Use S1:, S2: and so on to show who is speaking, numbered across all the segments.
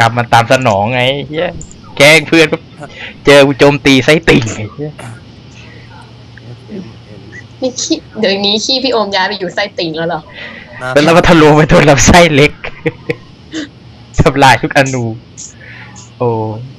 S1: รรมมันตามสนองไงเฮียแกล้งเพื่อนเจอโจมตีไส้ติ่งไงเฮีย
S2: นี่ขี้เดี๋ยวนี้ขี้พี่โอมย้ายไปอยู่ไส้ติ่งแล้วเหรอ
S1: แล้วมันทะลุไปโดนลำไส้เล็กทำลายทุกอนูโอ้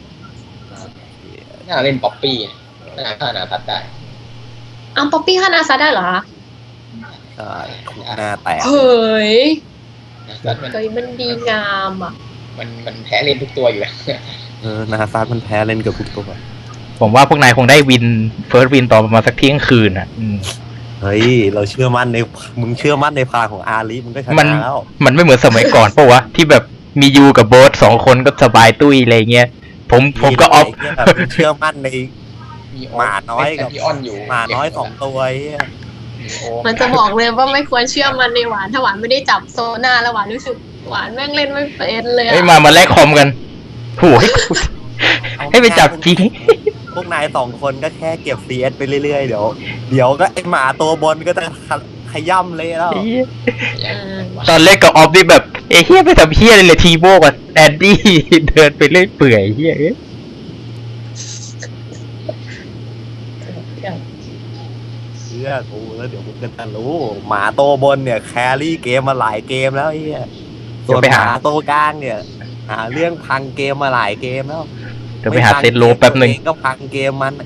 S3: น่าเล่นป๊อปปี้น่าฆ่านาทัดได้
S2: อ้าวป๊อปปี้ฆ่านาซาได้เหรอคะ
S4: ใช่หน้าแตก
S2: เฮ้ย
S3: นาทัดมัน
S2: เฮ้ยมันดีงามอ่ะ
S3: มันแพ้เล่นทุกตัวอยู่แล้ว
S4: นาซามันแพ้เล่นกับทุกตัว
S1: ผมว่าพวกนายคงได้วินเฟิร์สวินตอนประมาณสักเที่ยงคืนอ่ะ
S4: เฮ้ยเราเชื่อมั่นในมึงเชื่อมั่นในพลังของอาลีมึงก็ช
S1: มัน
S4: นะแล้ว
S1: มันไม่เหมือนสมัยก่อนปะวะที่แบบมียูกับโบ๊ทสองคนก็สบายตุ้ยอะไรเงี้ยผมก็ออฟ
S4: แบบมึงเชื่อมั่นใน
S3: มีโ
S4: หมาน้อยกับ
S3: พี่อ้อนอยู่
S4: หมาน้อย2ตัวไอ้เหี้ย
S3: มีโอ
S2: มันจะบอกเลยว่าไม่ควรเชื่อมันในหวานถ้าหวานไม่ได้จับโซน่าแล้วหวานรู้สึกหวานแม่งเล่นไม่เป็นเลย
S1: เฮ้ย
S2: อะ
S1: มาแลกคอมกันโหให้ไปจับจริง
S4: พวกนาย2คนก็แค่เก็บ CS ไปเรื่อยๆเดี๋ยวก็ไอหมาตัวบนก็จะขย่ำเลยแล้ว
S1: ตอนเล่นกับออฟนี่แบบเฮียไปทำเฮียเลยทีโบกับแอนดี้เดินไปเล่อยเปื่อยเฮีย
S4: เชื่อกูแล้วเดี๋ยวมึงก็จะรู้หมาตัวบนเนี่ยแครี่เกมมาหลายเกมแล้วไอ้เหี้ยส่วนหมาตัวกลางเนี่ยหาเรื่องพังเกมมาหลายเกมแล้ว
S1: เดี๋ยวไปหาเซตโลแป๊บหนึ่ง
S4: ก็พังเกมมัน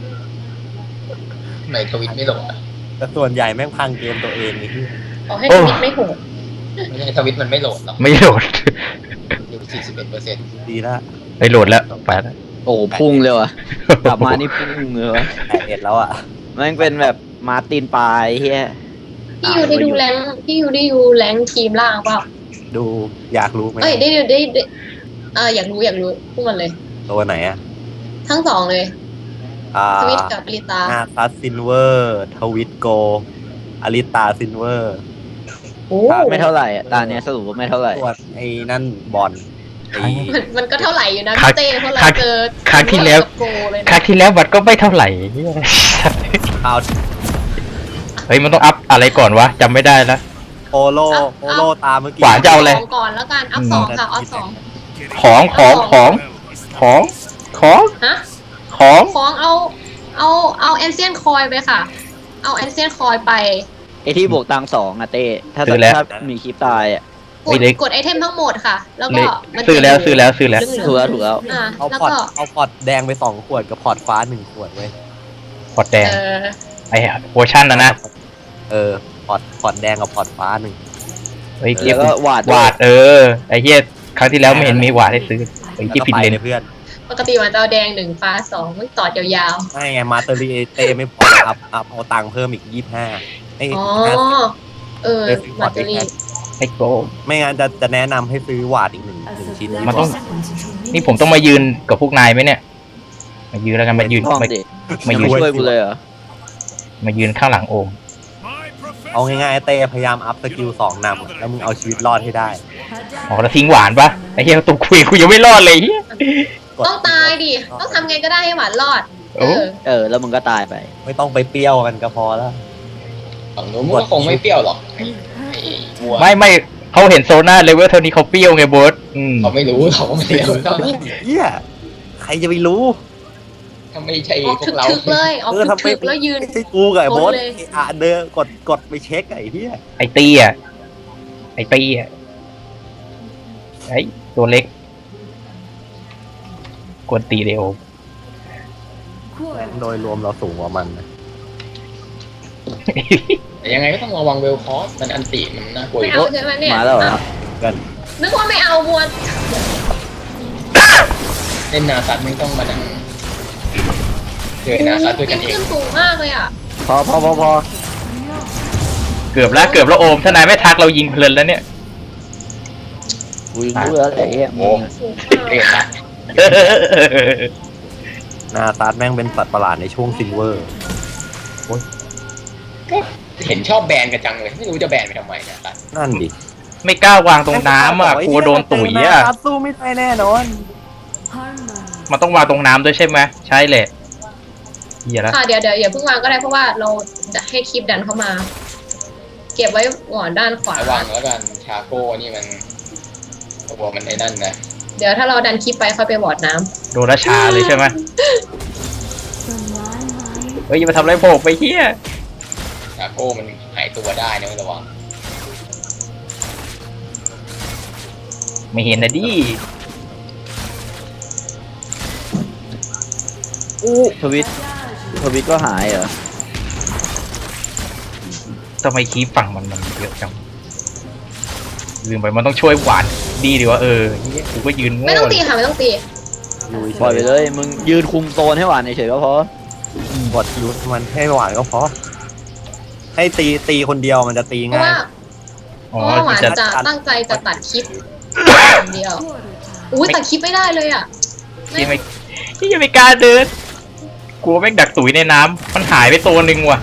S3: ในทวิตไม่ลงอะ
S4: แต่ส่วนใหญ่แม่งพังเกมตัวเองไอ้ที่
S2: ขอให้ทวิตไม่โหด
S3: ไม่ใช่ทวิตมันไม่โหลดหรอก
S1: ไม่โหลด
S3: อยู่41%
S4: ดีละ
S1: ไปโหลดแล้วไปแล้ว
S5: โอ้พุ่งเลยว่ะกลับมานี่พุ่งเลยวะ
S4: 81แล้วอ่ะ
S5: แม่งเป็นแบบมาร์ตินปลายเฮีย
S2: พี่ยูได้ดูแรงพี่ยูได้ดูแรงทีมล่างเปล่า
S4: ดูอยากรู้ไหม
S2: เอ้ยได้อยากรู้พูดมันเลย
S4: ตัวไหนอ่ะ
S2: ทั้งสองเลย สวิตกับลิตา
S4: นาซัสซินเวอร์ทวิตโกอลิตาซินเวอร์
S2: โอ้
S5: ไม่เท่าไหร่อะตาเนี้ยสรุปว่าไม่เท่าไหร่
S4: ส่วนไอ้นั่นบอลไอ้
S2: มันก็เท่าไหร่อยู่นะพี่เต้เพราะเราเจอ
S1: ครั้งที่แล้ว
S2: โกเลย
S1: ครั้งที่แล้ววัดก็ไม่เท่าไหร่เหี้ย
S4: ข่าว
S1: เฮ้ยมันต้องอัพอะไรก่อนวะจำไม่ได้แล้ว
S4: โปโลตามเมื่อกี้
S1: หวานจะเอาอะไร
S2: สองก่อนแล้วกันอัพสองค่ะอัพสอง
S1: ของ
S2: ฮะ ของเอาแอนเซียนคอยไปค่ะ เอาแอนเซียนคอยไป
S5: ไอที่บวกตังสองอะเต้ถ้า
S1: ซื้อแล้ว
S5: ถ้ามีคลิปตายอะ
S2: กดไอเทมทั้งหมดค่ะ แล้วก็มัน
S1: ซื้อแล้ว
S2: เหลือง
S5: ถูกแล้ว
S2: อ่า
S4: เอา
S2: แล้ว
S4: พอร์ต
S2: ก็
S4: เอาพอร์ตแดงไป2 ขวดกับพอร์ตฟ้า1 ขวดเว้ย
S1: พอร์ตแดง
S2: เออ
S1: ไอ้โอชั่นนะ
S4: พอร์ตแดงกับพอร์ตฟ้า1
S1: เฮ้ย
S5: แล้วก็วาด
S1: วาดไอ้เฮียครั้งที่แล้วไม่เห็นมีวาดให้ซื้อไอ้ที่ผิดเลน
S4: เพื่อน
S2: ปกติมันจะเอาแดง1ฟ้า2มันต่อยาว
S4: ไม่ไงมาเตอรีเตไม่พอเอาตังค์เพิ่มอีก25ไอ้
S2: ๆอ๋อ มาเตอรี่
S1: ไอ้โก
S4: ไม่งั้นจะแนะนำให้ซื้อวาดอีกหนึ่งชิ้น
S1: มันต้อง นี่ผมต้องมายืนกับพวกนายไหมเนี่ย มายืนแล้วกันมายืน
S5: ห้อง
S1: มา
S5: ดิ
S1: มา
S5: ยัง
S1: ยื
S5: ไม่
S1: น
S5: ช่วยกูเลยเหรอ
S1: มายืนข้างหลังโอม
S4: เอาง่ายๆเต้พยายามอัพสกิล2 นำแล้วมึงเอาชีวิตรอดให้ได้
S1: อ๋อแล้วทิ้งหวานปะไอ้เหี้ยตุกคุยยังไม่รอดเลยเหี้ย
S2: ต้องตายดิ ต้องทำไงก็ได้ให้หวานรอด
S1: โอ้
S5: แล้วมึงก็ตายไป
S4: ไม่ต้องไปเปรี้ยวกันก็พอแล้ว
S3: ฝั่งนู้นมันก็คงไม่เปรี้ยวหรอกไอ้วัว
S1: ไม่เขาเห็นโซน่าเลเวลเท่านี้เขาเปรี้ยวไงโบส
S3: เขาไม่รู้เขาไม่รู้เท่านั้น
S4: เหี้ยใครจะไปรู้
S3: ถ้าไม่ใช่
S2: ออก
S3: พวกเรา
S2: ถึกๆเลยออกถึกๆแล้วยืน
S4: ไม่ใช่กูกับไอ้โบส
S2: โดนเลย
S4: เดินกดไปเช็คไอ้เหี้ย
S1: ไอ้ตี้อ่ะไอ้ตัวเล็กกวนตีเดโอม
S4: โดยรวมเราสูงกว่ามันนะ
S3: แต่ยังไงก็ต้องระวังเวลคอสมันอันติมันน่ากลัวอ
S2: ไม่
S3: ยู่
S2: เอาใช่ไหมเนี่ย
S5: มาแล้วเหรอ
S4: กัน
S2: นึกว่าไม่เอามวน
S3: เล่นนาซัดไม่ต้องมานั่งเจอนาซัดด้วยกันเอง
S2: ขึ้นสูงมากเลยอ่ะ
S5: พอ
S1: เกือบแล้วโอมถ้านายไม่ทักเรายิงเพลินแล้วเนี่ย
S5: กูรู้แล้วไอ้เหี้ย
S3: โอ้
S2: สูง
S3: เตะ
S2: มาก
S3: ตัด
S4: นาตาร์แม่งเป็นสัตว์ประหลาดในช่วงซิลเวอร์
S3: เห็นชอบแบนกันจังเลย ไม่รู้จะแบนไปทำไมนาซัด
S4: นั่นดิ
S1: ไม่กล้าวางตรงน้ำอ่ะกลัวโดนตุ๋ยอ่ะ
S4: นาตาสู้ไม่ได้แน่นอน
S1: มันต้องวางตรงน้ำด้วยใช่ไหมใช่แหละเหี้ยแล้ว
S2: ค่ะเดี๋ยวอย่าเพิ่งวางก็ได้เพราะว่าเราจะให้คลิปดันเข้ามา เก็บไว้ก่อนด้านขวา
S3: ระวังแล้วกันชาโก้นี่มันตัวมันไอ้นั่นนะ
S2: เดี๋ยวถ้าเราดันคลิปไปค่อยไปวอร์ดน้
S1: โดนราชาเลยใช่ไหมเฮ้ยอย่ามาทำอะไรผมไปเฮีย
S3: ชาโก้มันหายตัวได้นะไม่ระวัง
S1: ไม่เห็นนะดิ
S5: ทวิตก็หายเหรอ
S1: ทำไมคีบฝั่งมันเยอะจังลืมไปมันต้องช่วยหวานดีดีว่าเฮียกูก็ยืน
S2: ำ
S1: โง่
S2: ไม่ต้องตีค่ะไม่ต้องตี
S4: อยู่เฉ
S5: ปล่อย
S4: ย
S5: ไปเลยมึงยืนคุมโซนให้หวานเฉยๆก็พอ
S4: บทยูมันให้หวานก็พอให้ตีคนเดียวมันจะตี
S2: เพราะ
S4: ง่าย
S2: ว่า
S1: อ๋อ
S2: เพราะว่าหวาน
S1: จะ
S2: จะตั้งใจจะตัดคลิปอย่างเดียวอุ้ยตัดคลิปไม่ได้เลยอ่ะ
S1: ที่ไม่กล้าเดินกลัวแม่งดักตุ๋ยในน้ำมันหายไปตัวหนึ่งว่ะ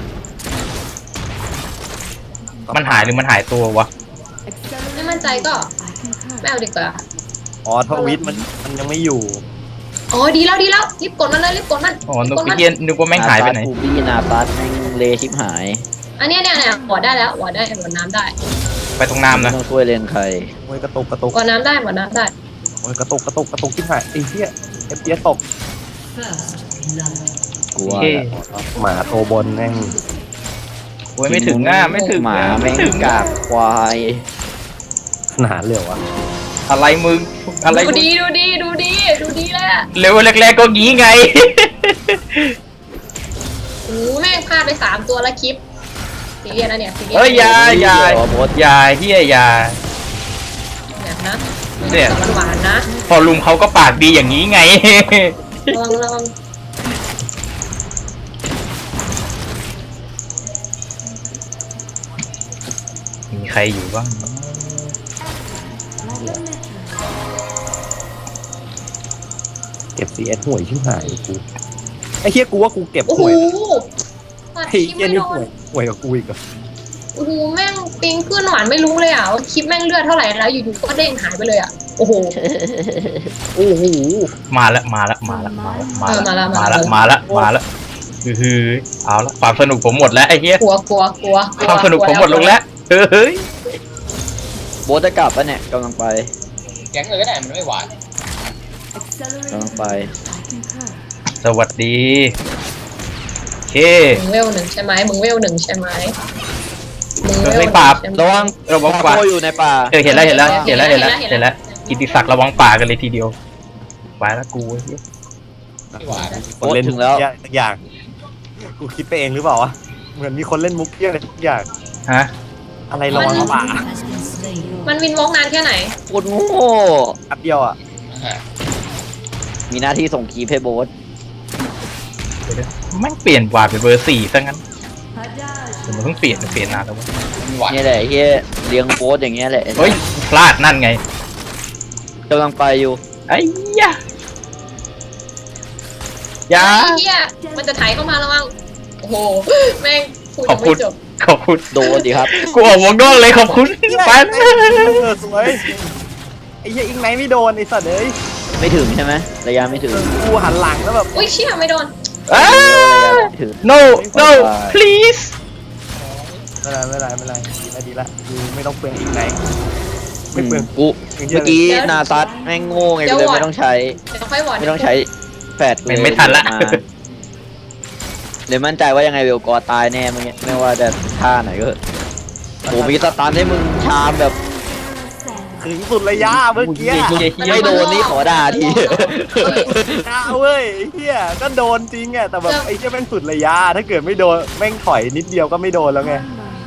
S1: มันหายหรือมันหายตัววะ
S2: ไม่มั่นใจก็ไม่เอาดีกว่า
S4: อ๋อทวิตมันยังไม่อยู่
S2: อ๋อดีแล้วรีบกดมันเลยรีบกดมัน
S1: อ๋อนึก
S2: กดมัน
S1: เย็นนึกว่าแม่งหายไปไหน
S5: กูบี้นาปัสแม่งเลชิบหาย
S2: อันเนี้ยวอร์ดได้แล้ววอร์ดได้วอร์ดน้ำได้
S1: ไปตรงน้ำ
S5: ไม่
S1: นะ
S5: ต้องช่วยเลนใคร
S4: โอ้ยกระตุก
S2: วอร์ดน้ำได้วอร์ดน้ำได้
S4: โอ้ยกระตุกที่หายไอ้เหี้ยFPS ตก
S5: กลัว
S1: โอเค
S4: หมาโตบนแม่ง
S1: โอ้ยไม่ถึงไม่ถึง
S5: หมา
S1: ไม่
S5: แม่ง
S1: ถึง
S5: กากควาย
S4: ขนาดเหลวอะ
S1: อะไรมึงอะไร
S2: ดูดีเลยอะ
S1: เร็วแรกๆก็งี้ไง
S2: โอ้แม่งพลาดไป3ตัวละคลิปซีเรียสนะเนี่ยซีเรียส
S1: เอ้ยอยา
S5: เดี๋ยวบด
S1: อยาเฮียอยา
S2: แบบนะ
S1: เนี่ย
S2: หวานๆนะ
S1: พอลุงเขาก็ปากดีอย่างนี้ไง
S2: ระวัง
S1: มีใครอยู่บ้าง
S4: เก็บ CS ห่วยชิบหายกูไอ้เหี้ยกูว่ากูเก็บ
S2: โอ้โห
S4: ห่วย
S2: ตัด
S4: ไอ้
S2: คลิป
S4: เหี้ย
S2: ไม่
S4: นี่
S2: โดน
S4: ห่วยกับกูอีกเหรอ
S2: โอ้โหแม่งปิงขึ้นหวานไม่รู้เลยอ่ะว่าคลิปแม่งเลือดเท่าไหร่แล้วอยู่ๆก็เด้งหายไปเลยอ่ะโอ้โห
S4: โอ้โห
S1: มาละคือเอาละความสนุกผมหมดแล้วไอ้เหี้ย
S2: กลัว
S1: ความสนุกผมหมดลงแล้วเฮ้ย
S5: โบทจะกลับปะเนี่ยกำลังไป
S3: แก๊งเลยก็ได้มันไม่หวาน
S5: กำลังไป
S1: สวัสดีโอเค
S2: มึงเวลหนึ่งใช่ไหมมึงเวลหนึ่งใช่ไหมมึงเวล
S1: ไม่ปราบ
S2: ใช่ไหม
S5: ระวัง
S1: ระวังป่า
S5: โคอยู่ในป่า
S1: เห็นแล้วกิติศักดิ์ระวังป่ากันเลยทีเดียวไปแล้วกูไอ้เหี้ย
S3: ไม่หวาน
S4: คนเล่นมุกเหี้ยสักอย่างกูคิดไปเองหรือเปล่าวะเหมือนมีคนเล่นมุกเหี้ยอะไรทุกอย่าง
S1: ฮะ
S4: อะไรระวังป่า
S2: มันวินวอล์กนานแค่ไหน
S5: โคตรโง่
S4: แป๊บเดียวอ่ะ
S5: มีหน้าที่ส่งคีย์ให้โบท
S1: แม่งเปลี่ยนวาดเป็นเบอร์4ซะงั้นผมเพิ่งเปลี่ยนนานแล้ว
S3: ไม่หวาน
S5: เนี่ยแหละเฮียเลี้ยงโบทอย่างเงี้ยแหละ
S1: เฮ้ยพลาดนั่นไง
S5: กำลังไปอยู่
S1: ไอ้ยะยา
S2: ไอ้เหี้ยมันจะไถเข้ามาแล้วมั้งโอ้โหแม่งพูด
S1: ขอ
S2: ยั
S1: บ
S2: ง
S1: คุ
S2: ไม่
S1: ณ
S2: จบ
S1: ขอบคุณ
S5: โดนดิครับ
S1: กูออกวงนอกเลยขอบคุณไป
S4: สวยไอ้เหี้ยอิงไหนไม่โดนไอ้สัตว์เอ้ย
S5: ไม่ถึงใช่ไหมระยะไม่ถึง
S4: กูหันหลังแล้วแบบ
S2: อุ้ยเชี่ยไม่โดน
S1: อ้า
S5: ระยะไม่ถึง
S1: no please
S4: ไม่เป็นไรดีละกูไม่ต้องเปลืองอิงไหนไม่เปลือง
S5: กูเมื่อกี้นาซัดแม่งโง่ไงกูเลยไม่ต้องใช้
S2: เดี๋ยวค่อยวอร์ด
S5: ไม่ต้องใช้แฟดเลย
S1: ไม่ทันละ
S5: เลยมั่นใจว่ายังไงเวลกอตายแน่ไม่ว่าจะท่าไหนก็เถอะโอ้มีสตันให้มึงชามแบบ
S4: ถึงสุดระยะเมื่อกี้
S5: ไม่โดนนี่ขอด่าที
S4: กล้าเว้ยไอ้เหี้ยก็โดนจริงอ่ะแต่แบบไอ้เหี้ยแม่งสุดระยะถ้าเกิดไม่โดนแม่งถอยนิดเดียวก็ไม่โดนแล้วไง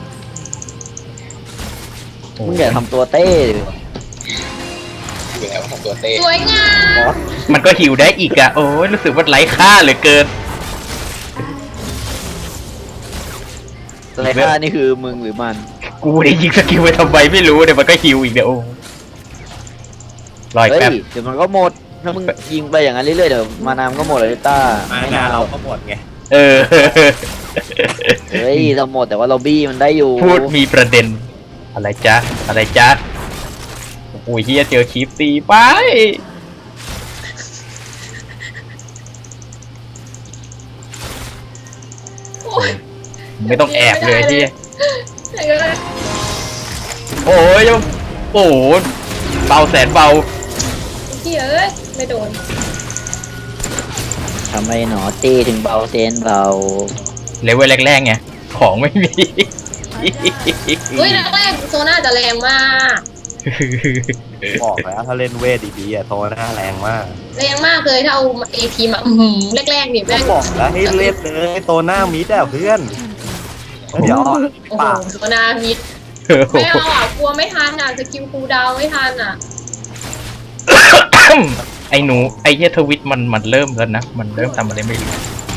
S5: มึงอย่าทำตัวเต้ดิ
S3: อยู่แล้วทำตัวเต้
S2: สวยงาม
S1: มันก็หิวได้อีกอะโอ้ยรู้สึกว่าไร้ค่าเหลือเกิน
S5: อะไรค่านี่คือมึงหรือมัน
S1: กูได้ยิงสกิลไปทำไมไม่รู้เดี๋ยวมันก็หิวอีกเดี๋ยวโอ้รอย
S5: เฮ้ย
S1: แป๊บ
S5: เดี๋ยวมันก็หมดถ้ามึงยิงไปอย่างนั้นเรื่อยๆเดี๋ยวมานามก็หมดเลยต้า
S4: ไม่นานเราก็หมดไง
S1: เออ
S5: เฮ้ยเราหมดแต่ว่าเราบี้มันได้อยู่
S1: พูดมีประเด็น อะไรจ๊ะโอ้ยเฮียเจอคลิปตีไปไม่ต้องแอบเลยที่
S2: ไหนก็ได้
S1: โอ้ยโอ้โหเบาแสนเบา
S2: พี่เอ้ยไม่โดน
S5: ทำไมหนอตีถึงเบาเซนเบา
S1: เลเวลแรกๆไงของไม่มี
S2: เฮ้ยแรกๆโซน่าจะแรงมาก
S4: บอกแล้วถ้าเล่นเวทดีๆอะโซน่าแรงมาก
S2: แรงมากเลยถ้าเอาเอพีมาแรกๆเนี่ยแม่ง
S4: บอกแล้วให้เล่นเลยโซน่ามิดอะเพื่อนแล้วเดี๋ยว
S2: โอ้โห
S4: ปาก
S2: โซน่ามิดไม่เอาอ่ะกลัวไม่ทันอ่ะสกิลคูลดาวน์ไม่ทันอ่ะ
S1: ไอ้หนูไอ้เหี้ยทวิตมันเริ่มแล้วนะมันเริ่มทำอะไรไม่รู้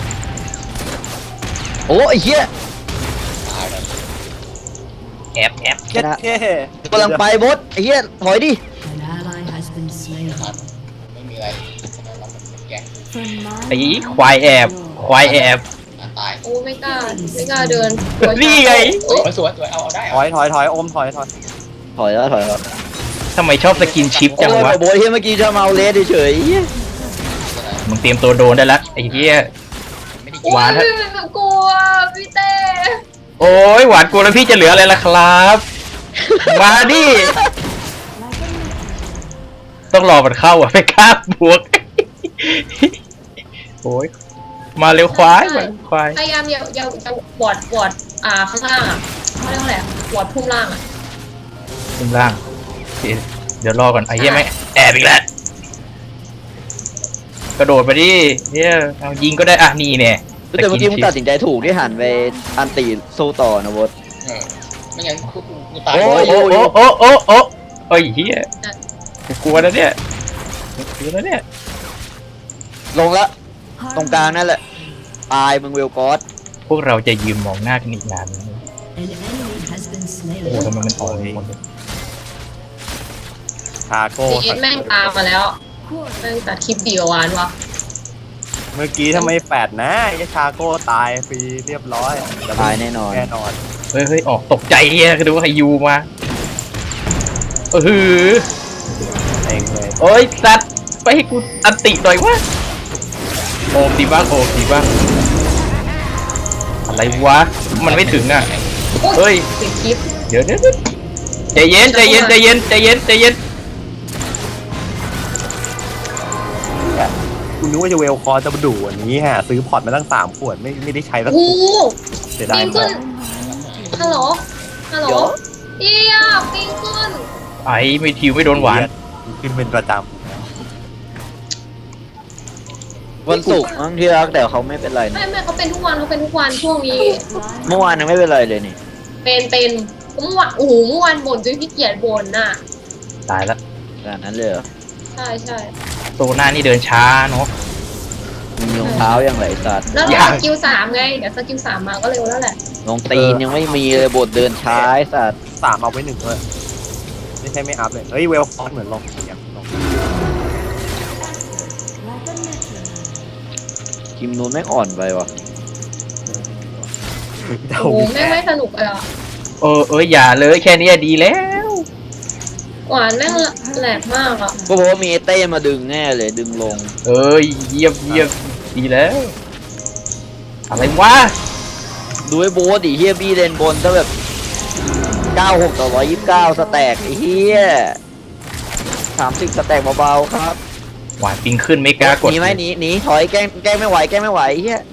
S5: โอ้ไอ้เหี้ย
S3: ตายแล้ว
S1: แอบแอบ
S4: เจ็ดเท่
S5: กำลังไปบดไอ้เหี้ยถอยดิ
S6: An ally has been slain.
S3: ครับไม่มีอะไรเราเป็นแกง
S6: From my
S1: ไอ้ควายแอบควายแอบ
S3: ตาย
S2: โอ้ไม่กล้าเดิน
S1: นี่ไง
S2: โอ้ย
S3: สวยเอาได้
S4: ถอยอมถอย
S5: ถอยแล้วถอยแล้ว
S1: ทำไมชอบสกินชิป
S5: โอ้
S1: จังวะ
S5: ยโบยเฮียเมื่อกี้จะมาเอาเลสเฉยๆเหี้ย
S1: มึงเตรียมตัวโดนได้ละไอ้เหี้ย
S3: ไม่ได้
S2: โอ้
S3: กิน
S1: หวาน
S2: ยกลัวพี่เต้
S1: โอ้ยหวานกลัวแล้วพี่จะเหลืออะไรล่ะครับมาดิต้องรอมันเข้าอ่ะไม่กล้าบวกโอ้ยมาเร็วควายมาเร็วควาย
S2: พยายามอย่าวอดข้างล่างอ่ะเขาเรียกว่าอะไรอ่ะวอดพุ่มล่างอ่ะ
S1: ขึ้นล่างเดี๋ยวรอก่อนไอ้เหี้ยไม่แอบอีกแล้วกระโดดไปดิเนี่ยเอายิงก็ได้อ่ะนี่เนี่ย
S5: แต่เมื่อกี้มึงตัดสินใจถูกที่หันไปอันตีสู้ต่อนะบด
S3: ไม่งั้นกูตาย
S1: โอ้โอ้โอ้โอ้โอ้โอ้โอ้ยเหี้ยกลัวนะเนี่ยกลัวนะเนี่ย
S5: ลงละตรงกลางนั่นแหละตายมึงเวลกอส
S1: พวกเราจะยืนมองหน้ากันอีกนานไหม
S6: an enemy has been
S1: โอ้
S6: slain.
S1: ทำไมมันอ่อนหมดเลย
S4: ชาโก้
S2: ซีเอสแม่งตามมาแล้วแม่งตัดคลิปเดียววานวะ
S4: เมื่อกี้ทำไมแปดนะไอ้ชาโก้ตายฟรีเรียบร้อย
S5: ตายแน่นอน
S4: แน่นอน
S1: เฮ้ยเฮ้ยออกตกใจเฮียคือดูว่าใครยูมาหือ
S4: เองเลย
S1: โอ้ยสัตว์ไปให้กูอันติหน่อยวะโอมดีบ้างโอมดีบ้างอะไรวะมันไม่ถึงอ่ะ เฮ้ย
S2: ปิดคลิป
S1: เดี๋ยวใจเย็นใจเย็นใจเย็นใจเย็นใจเย็น
S4: คุณนึกว่าจะเวลคอร์จะมาดูวันนี้ฮะซื้อพอร์ตมาตั้ง3 ขวดไม่ได้ใช้สัก
S2: โอ้
S4: ข
S2: โห
S4: วดเสียดาย
S2: ปิ้ง
S4: มา
S2: ขึ้
S4: ก
S2: นฮัลโหลฮัลโหล
S5: เดี๋ยว
S2: เอียปิ้งขึ้น
S1: ไอ้ไม่ทิวไม่โดนหวาน
S4: ขึ้นเป็นประจ
S5: วันศุกร์มั้งที่รักแต่เขาไม่เป็นไรนะ
S2: ไม่เขาเป็นทุกวันช่วงนี้
S5: เมื่อวานยังไม่เป็นไรเลยนี่
S2: เป็นเมื่อวานโอ้โหเมื่อวานบ่นจนขี้เกียจบ่นน่ะ
S1: ตายละ
S5: ขนาดนั้นเลยเหรอ
S2: ใช่
S1: โซน่านี่เดินช้าเนาะ
S5: มึงยงเท้ายังไหลสัตว์
S2: แล้ว
S1: ยัง
S2: สกิล3ไงเดี๋ยวสกิล3มาก็เร็วแล้วแหละ
S5: ลงตีนยังไม่มีเลยบทเดินช้าไอ้สัตว์
S4: ำ3เอาไว้1ด้วยไม่ใช่ไม่อัพเลยเฮ้ยเวลคอร์เหมือนลงอย่างลง
S5: คิมนูนไม่งอ่อนไปวะ
S2: โอ้โหไม่สนุกเลยอ่ะ
S1: เอ้ยอย่าเลยแค่นี้ดีแล้ว
S2: หวานแม่งแหลกมากอ่ะ
S5: ก็เพราะว่ามีไอ้เต้มาดึงแน่เลยดึงลง
S1: เอ้ยเยี่ยมดีแล้ว อะไรวะ
S5: ดูไอ้โบสดิเฮียบี้เลนบนถ้าแบบ 96 ต่อ 129 สแต็กไอ้เฮีย30 สแต็กเบาๆครับ
S1: หวานปิงขึ้นไม่กล้ากด
S5: หนีไหมหนีถอยแกล้งไม่ไหวไอ้เฮีย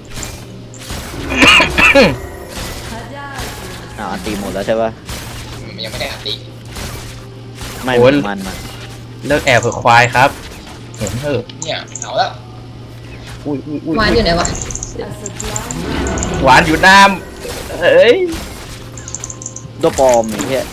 S5: อันตีหมดแล้วใช่ปะ
S3: มันยังไม่ได้อัดตี
S5: ไม่
S1: โอ้ย
S5: มัน
S1: เลิกแอบเผื่อควายครับ เห็นเถอะ
S3: เนี่ยเอาแล้ว
S1: อุ้ย
S2: หวานอยู่ไหนวะ
S1: หวานอยู่น้ำเฮ้ย
S5: ตัวปลอมไอ้เฮีย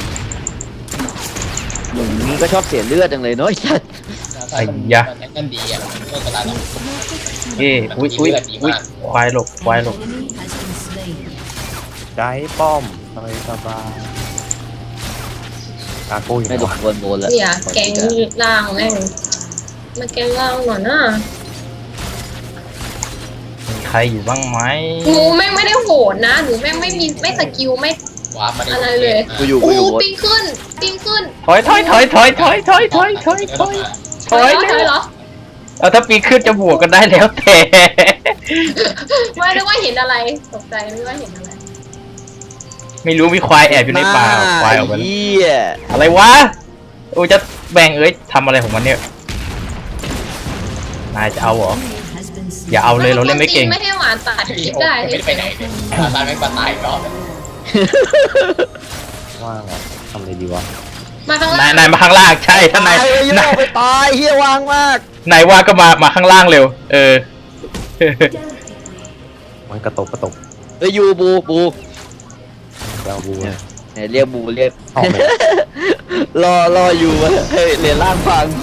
S5: อย่างนี้ก็ชอบเสียเลือดจังเลยเนาะไอ้สัส
S3: นั่นดีอ่ะไม่เป็นไรหรอก
S1: เอ้อุ้ยควายหลบ
S6: Enemy has been slain.
S4: ใจป้อมสบายชาโก้อยู่
S5: ไม่หลบโดนโบนแล้ว
S2: เนี่ยแกงล่างแม่งมาแกงล่างหน่อยนะ
S1: มีใครอยู่บ้างไหม
S2: หนูแม่งไม่ได้โหดนะหนูแม่งไม่สกิลไม่
S3: ว้ามา
S2: อะไรเลย
S5: กูอยู่
S2: โอ้
S5: โบส
S2: ปิ้งขึ้น
S1: ถอยถอย
S2: เหรอ
S1: เอาถ้าปีนขึ้นจะบวกกันได้แล้วแต่
S2: ไม่ได้ว่าเห็นอะไรตกใจไม่ว่าเห็นอะไร
S1: ไม่รู้มีควายแอบอยู่ในป่าควายออกมา
S5: เฮีย
S1: อะไรวะโอ้จะแบ่งทำอะไรของมันเนี่ยนายจะเอาเหรอ
S6: Enemy has been slain.
S1: อย่าเอาเลยเราเล่นไม่เก่ง
S2: ไม่ให้หวานตัดคลิปได้
S3: ไม่ได้ไปไหนเลยนาซาไม่มาตายอีกรอบเลย
S4: ว่างอ่ะทำอะไรดีวะ
S2: มาข้าง
S1: นา
S2: ล่าย ง
S1: นายมาข้างล่างใช่ถ้านาย
S5: ตายเลยโย
S1: นาย
S5: กไปตายเฮียวางมาก
S1: นายว่าก็มาข้างล่างเร็ว เออ
S4: มันกระตก
S5: เอ้ยยูบู
S4: เจ้าบู
S5: เนี่ยเรียกบูเรียก
S4: ออกไหม
S5: รออยู่วะเฮ้ยเหรียญล่างฟัง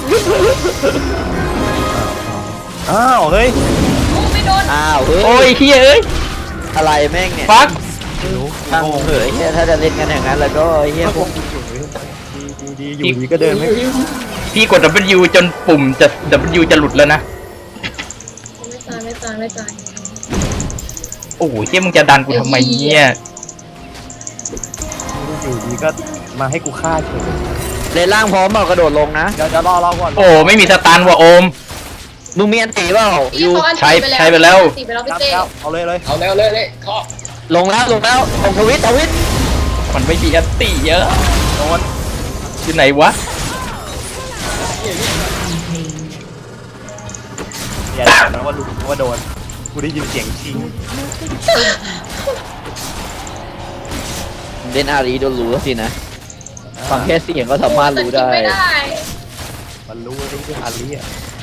S4: อ้าวเฮ้ย
S2: โอ้ไม่โดน
S5: อ้าวเฮ้
S1: โอ้ย
S5: ย
S1: เฮียเอ้ย
S5: อะไรแม่งเนี่ย
S1: ฟัก
S5: ช่างเถอะไอ้เฮียถ้าจะเล่นกันอย่างนั้นแล้วก็ไอ้เฮียพวก
S4: ดีอยู่ดีก็เดินไม่
S1: พี่กด W จนปุ่มจะ W จะหลุดแล้วนะ
S2: ไม่ตาย
S1: โอ้โหเฮียมึงจะดันกูทำไมเนี่ย
S4: อยู่ดีก็มาให้กูฆ่าเฉย
S5: เล่นล่างพร้อมเปล่ากระโดดลงนะ
S4: เดี๋ยวจะรอก่อน
S1: โอ้ไม่มีสตันว่ะโอม
S5: มึงมีอันตีเปล่า
S2: พี่
S5: ยู
S2: เขาอัน
S1: ใช้
S2: ตี
S1: ใช้ไปแล้ว
S2: ตีไปแล้ว
S4: ค
S2: พี่
S4: รับ
S2: เต้
S4: เอาเลย
S3: เอาเร็วเลยเคาะ
S5: ลงแล้วของทวิต
S1: มันไม่มีอันตีเยอะ
S4: โดน
S1: อยู่ไหนวะ
S4: อย่าถามนะว่าลุงว่าโดนกูได้ยินเสียงชิง
S5: เล่นอารีโดนรู้แล้วสินะฟังแค่เสียงก็สามารถรู้ได้
S2: ไม่ได้
S4: มันรู้ว่าที่อาลีอ่ะ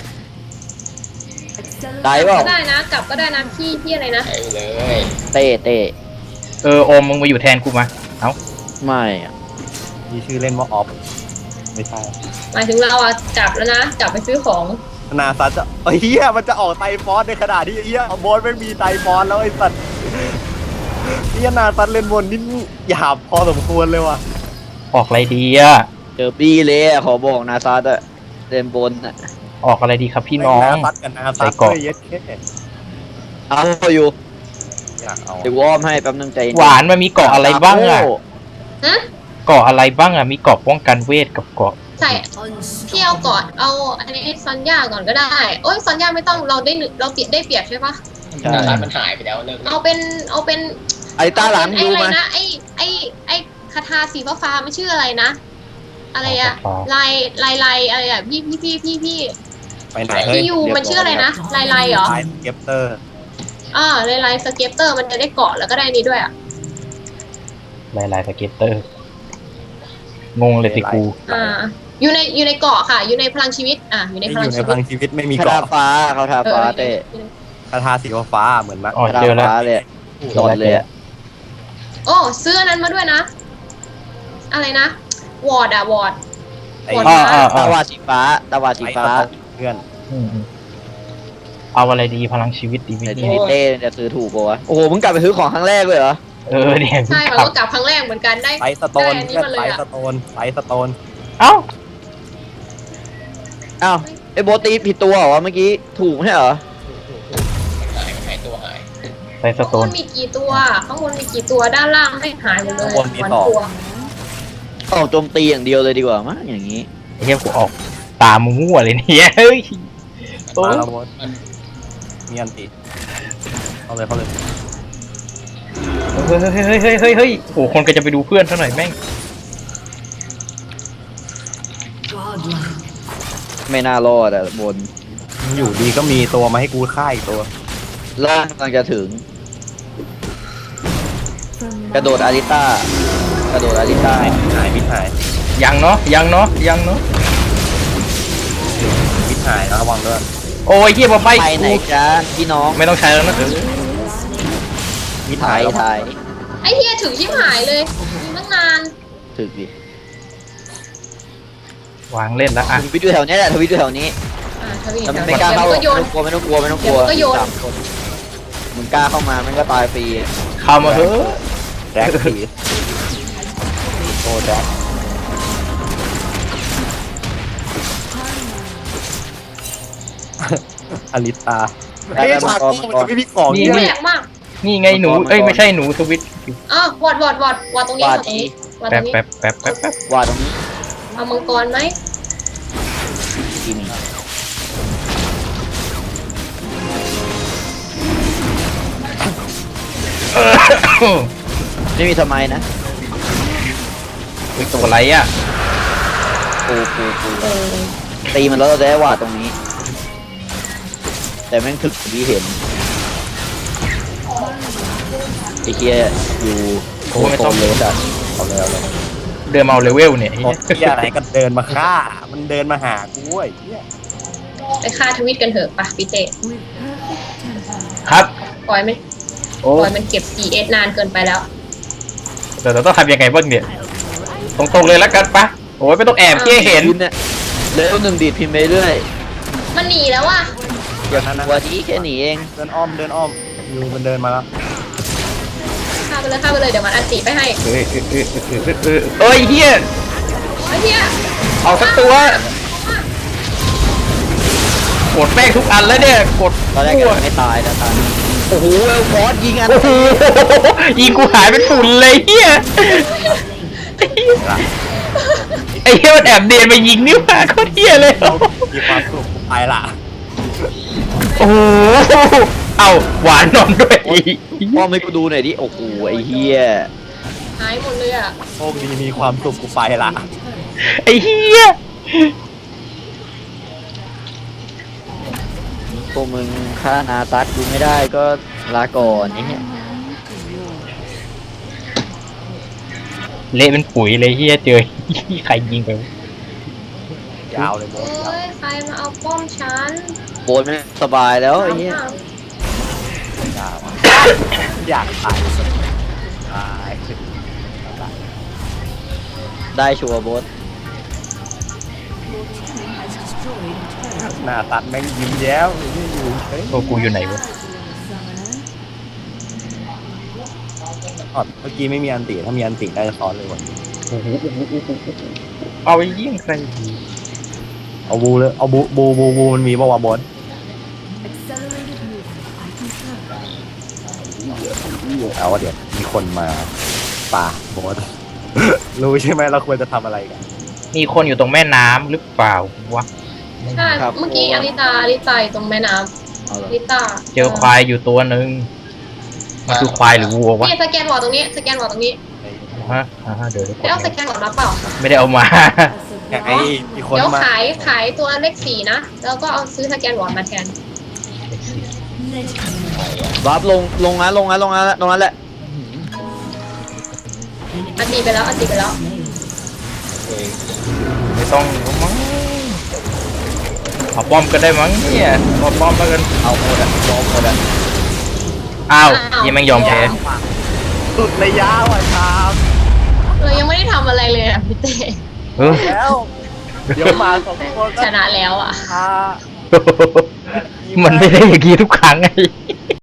S5: ได้เปล่า
S2: ก็ได้นะกลับก็ได้นะพี่อะไรนะ
S3: ไปเลย
S5: เต้
S1: เออโอมมึงมาอยู่แทนกูมา เอ้า
S5: ไม่อะ
S4: มีชื่อเล่นว่าออฟไม่ใช่
S2: หมายถึงเราอะกลับแล้วนะกลับไปซื้อของ
S4: นาซัตจะเฮียมันจะออกไตฟอสในขณะที่เฮียโบนไม่มีไตฟอสแล้วไอ้สัตว์เฮียนาซัตเล่นบนนี่หยาบพอสมควรเลยว่ะ
S1: ออกอะไรดีอะ
S5: เจอบี้เลยอะขอบอกนาซาดอะเล่นบนอะ
S1: ออกอะไรดีครับพี่น้อง
S4: นาซัตกับนา
S1: ใส่
S4: ซัต
S1: เกราะ
S4: เลยเย็ดแค่
S5: เอาอยู่
S4: อยากเอา
S5: เดี๋ยววอร์มให้แป๊บนึงใจเย็
S1: หวานมันมีเกาะอะไรบ้างอะ
S2: ฮะ
S1: เกาะอะไรบ้างอะมีเกาะป้องกันเวทกับเกาะ
S2: ใส่พี่เอาก่อนเอาอันนี้ซอนย่าก่อนก็ได้โอ้ยซอนย่าไม่ต้องเราได้ได้เปรียบใช่ปะ
S3: นาซามันหายไปแล้วเลิก
S2: เอาเป็น
S5: ไอ้ตาหลัง
S2: ไอ้
S5: ดู
S2: อะไร
S5: มา
S2: นะไอ้คาถาสีฟ้าๆมันชื่ออะไรนะ อะไรอะลายอะไรอะพี่
S4: ไปไหนเฮ้ย
S2: พี่ยูมันชื่ออะไรนะลายเหรอ
S4: ไลน์เก็บเตอร์
S2: ลายสเก็ปเตอร์มันจะได้เกาะแล้วก็ได้นี้ด้วยอะ
S1: ลายสเก็ตเตอร์ งงเลยสิกู
S2: อยู่ในเกาะค่ะ อยู่ในพลังชีวิตอยู่ในพลัง
S4: อยู่ใน
S2: ชี
S4: พ
S2: วิ
S4: ลั
S2: ต
S4: งชีวิตไม่มี
S5: คาถา
S4: เกราะ
S5: ฟ้าคาถาฟ้าเต้
S4: คาถาสีฟ้าเหมือนมะ
S1: อ๋อ
S5: คาถา
S1: เจอแล้ว
S5: ฟ้าเลยโดนเลยอะ
S2: โอ้ซื้ออันนั้นมาด้วยนะ อะไรนะวอร์ด
S4: ไอ้
S2: หมด
S5: ตาวาสีฟ้าตาวาสี
S4: ไอ้
S5: ฟ้า
S4: เพื่อน
S1: อืมเอาอะไรดีพลังชีวิตดีไหม
S5: แต่ที
S1: เนี่ย
S5: นี้เต้จะซื้อถูกปะวะโอ้โหมึงกลับไปซื้อของครั้งแรกเลยเหรอ
S1: เออเนี่ย
S2: ใช่
S1: ค
S2: เรา
S1: รับ
S2: ก็กลับครั้งแรกเหมือนกันได้
S4: ไลท์สโตน
S2: ได้อันนี้
S4: เพื่อน
S2: มาเลย
S4: ไล
S2: อะ
S4: ท์สโตนไลท์สโตน
S1: เอ้า
S5: อ้าวไอ้โบตีผิดตัวเหรอวะเมื่อกี้ถูกไม่ใช่เหรอ
S3: หายตัวหาย
S1: ใส่ส
S2: ข้าง
S1: โต
S2: บ
S1: น
S2: นมีกี่ตัวข้างบนมีกี่ตัวด้านล่างไม่หายหมดเลยวันตัว
S5: ออกโจมตีอย่างเดียวเลยดีกว่ามั้งอย่างนี้
S1: ไอ้เหี้ยกูออกตามั่วๆเลยเนี่ยเฮ้ยโอ้
S4: มาแล้วมดมีอันติเอาเลย
S1: เฮ้ยโอ้คนก็จะไปดูเพื่อนเท่าหน่อยแม่ง
S6: Godlike.
S5: ไม่น่ารอดอะบน
S4: อยู่ดีก็มีตัวมาให้กูฆ่าอีกตัว
S5: ล่างกำลังจะถึง
S6: From
S5: กระโดดอาริต้ากระโดดอาริต้า
S4: หายมิดหาย
S1: ยังเนาะยังเนาะ
S4: มิดหายนะระวังด้วย
S1: โอ้ยเฮียมาใบ
S5: ไปไหน
S1: กู
S5: จ้าพี่น้อง
S1: ไม่ต้องใช้แล้วนะเออ
S4: มิด
S5: ถ่า
S4: หาย
S5: ย
S4: แล้ว
S5: ถ่าย
S2: ไอ้เฮียถึงชิบหายเลยยิงตั้งนาน
S5: ถึกดิ
S1: วางเล่นแล้วอ่ะ
S5: ทวิตอยู่แถวนี้แหละทวิตอยู่แถวนี้
S2: ทวี
S5: แล้วมัน
S2: เดี๋
S5: ไม่
S2: ยว
S5: กล้าเข้า
S2: ก็โยน
S5: ไม่ต้องกลัวไม่ต้องกลัว
S2: เดี๋ยวก็โยน
S5: สามคนมึงกล้าเข้ามามันก็ตายฟรี
S1: เข้ามาเถอะ
S4: แจ็คสีโอ้แจ็คอลิตาเฮ้ยฉากนี้มันจะไม่มีของ
S2: แป
S4: เนี่
S2: ล
S4: ย
S2: กมาก
S1: นี่ไงหนูเอ้ยไม่ใช่หนูทวิต
S2: วอดตรงนี้วอดตรงนี้วอดต
S1: แป๊
S2: ร
S1: บ
S2: งนี้
S1: แป๊บ
S5: ว่าตรงนี้
S2: เอามังกรไหม
S5: กิน ไม่มีทำไมนะ
S1: เฮ้ยตัวอะไรอ่ะ
S5: ปูตีมันแล้วเราจะได้ว่าตรงนี้แต่แม่งถึกที่เห็นไอ้เหี้ยอยู่โคตรเลยจัดเอาเลยเอาเลย
S1: เดินมาเอาเลเวลเนี่ย
S4: โอ้ยเหี้ยอะไรก็เดินมาฆ่า มันเดินมาหากูเว้ยเหี้ย
S2: ไปฆ่าทวิตกันเถอะปะพี่เต้
S1: ครับ
S2: ปล่อยมัน
S1: โอ้
S2: ปล่อยมันเก็บ PS นานเกินไปแล้ว
S1: เดี๋ยวเราต้องทำยังไงบ้างเนี่ยตรงๆเลยแล้วกันปะโอ้ยไม่ต้องแอบเหี้ยเห็น
S5: พิมพ์เนี่ยเลเวล1ดีดพิมพ์ไปเรื่อย
S2: มันหนีแล้วว่ะ
S4: อย่างนั้นนะ
S5: ตัวที่แค่หนีเอง
S4: เดินอ้อมอยู่มันเดินมาแล้ว
S2: ฆ่าไปเลยเดี๋ยวมันอันติไปให้
S1: เอ้ยเฮีย
S2: ไอ้เหี้ย
S1: เอาสักตัวกดแป้งทุกอันแล้วเนี่ยกด
S5: ตอนแรกก็ไม่ตายแต่ตอนนี้โอ้โหเอลฟอสยิงอัน
S1: โอ้โหยิงกูหายเป็นฝุ่นเลยเฮียไอ้เฮียมันแอบเดียนมายิงนิ้วมาโคตรเฮียเลย
S4: มีความสุขไปละ
S1: โอ้โหเอาหวานนอนด้วย
S5: พ่อไม่กูดูหน่อยดิโอ้โหไอ้เหี้ย
S2: หายหมดเลยอ่ะ
S4: โชคดีมีความสุขกูไปละ
S1: ไอ้เฮีย
S5: พวกมึงฆ่านาตัดกูไม่ได้ก็ลาก่อนไอ้เหี้ย
S1: เละเป็นปุ๋ยเลยเฮียเจอใครยิงไป
S4: ยาวเลยโม
S2: เอ้ยใครมาเอาป้อมฉัน
S5: โบนไม่สบายแล้วไอ้เหี้ย
S4: ยาวอยากตายตาย
S5: ได้ชัวร์โบน
S4: หน้าตัดแม่งยิ้มแย้วอยู่เฮ้ย
S1: โอ้กูอยู่ไหนวะ
S4: อ๋อเมื่อกี้ไม่มีอันติถ้ามีอันติได้จะซ้อนเลยวัน
S1: โอ้โหเอาไปยิงใครดี
S4: เอาบูเลยเอาบูมันมีป่าวะบอส เอาว่าเดี๋ยวมีคนมาป่าบอส รู้ใช่ไหมเราควรจะทำอะไรกัน
S1: มีคนอยู่ตรงแม่น้ำหรือเปล่าวะ
S2: ใช่เมื่อกี้อลิตาอยู่ตรงแม่น้ำ
S5: เอาเหร
S2: อ
S5: อ
S2: ลิตา
S1: เจอควายอยู่ตัวหนึ่งมันคือควายหรือวัววะ
S2: นี่สแกนวอร์ดตรงนี้สแกนวอร์ดตรงนี้
S1: ฮะเดี๋ยว
S2: ได้เอาสแกนวอร์ดมาเปล่า
S1: ไม่ได้เอามา
S4: ไอ้มีคน
S2: เดี๋ยว
S4: มา
S2: ขายตัวเลข4นะแล้วก็เอาซื้อสแกนวอร์ดมาแทน
S5: รับลงนะตรงนั้นแหละ
S2: อันตีไปแล้ว
S1: ไม่ต้องมั้งเอาป้อมก็ได้มั้งเนี่ยเอาป้อมแล้วกัน
S5: เอาหมดอ่ะยอมหมดอ่ะ
S1: อ้าวยังไม่ยอมแพ้
S4: สุดระยะว่ะชาม
S2: เรายังไม่ได้ทำอะไรเลยอ่ะพี่เต้
S1: เออ
S4: แล้วเดี๋ยวมาสองคนก็
S2: ชนะแล้วอ่ะ
S4: พา
S1: มันไม่ได้อย่างนี้ทุกครั้งไง